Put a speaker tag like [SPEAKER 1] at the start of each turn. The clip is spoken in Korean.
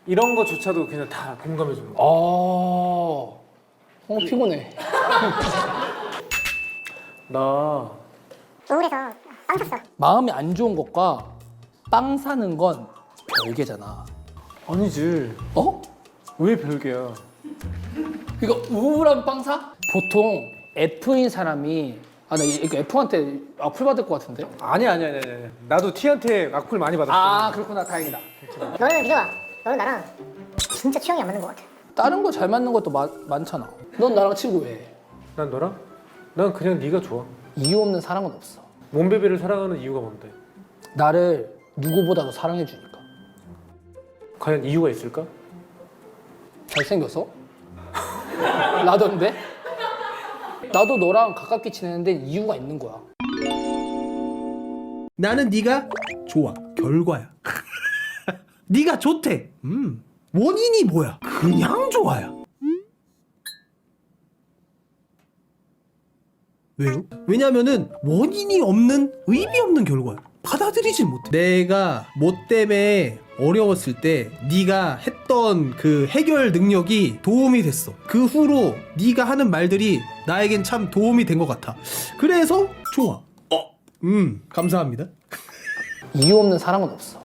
[SPEAKER 1] 이런 거조차도 그냥 다 공감해 주는 거야.
[SPEAKER 2] 피곤해.
[SPEAKER 1] 나
[SPEAKER 3] 우울해서 빵 샀어.
[SPEAKER 2] 마음이 안 좋은 것과 빵 사는 건 별개잖아.
[SPEAKER 1] 아니지.
[SPEAKER 2] 어?
[SPEAKER 1] 왜 별개야?
[SPEAKER 2] 그러니까 우울한 빵 사? 보통 F인 사람이 나 이거 F한테 악플 받을 것 같은데?
[SPEAKER 1] 아니야. 나도 T한테 악플 많이 받았어.
[SPEAKER 2] 아 그렇구나. 다행이다.
[SPEAKER 3] 너는 믿어봐. 너는 나랑 진짜 취향이 안 맞는 것 같아.
[SPEAKER 2] 다른 거 잘 맞는 것도 많잖아. 넌 나랑 친구해.
[SPEAKER 1] 난 너랑? 난 그냥 네가 좋아.
[SPEAKER 2] 이유 없는 사랑은 없어.
[SPEAKER 1] 몸베베를 사랑하는 이유가 뭔데?
[SPEAKER 2] 나를 누구보다도 사랑해 주니까.
[SPEAKER 1] 과연 이유가 있을까?
[SPEAKER 2] 잘생겨서? 나던데? 나도 너랑 가깝게 지내는데 이유가 있는 거야.
[SPEAKER 4] 나는 네가 좋아. 결과야. 네가 좋대. 원인이 뭐야? 그냥 좋아야. 왜요? 왜냐면은 원인이 없는 의미 없는 결과야. 받아들이질 못해. 내가 뭐 때문에 어려웠을 때 네가 했던 그 해결 능력이 도움이 됐어. 그 후로 네가 하는 말들이 나에겐 참 도움이 된 것 같아. 그래서 좋아. 감사합니다.
[SPEAKER 2] 이유 없는 사랑은 없어.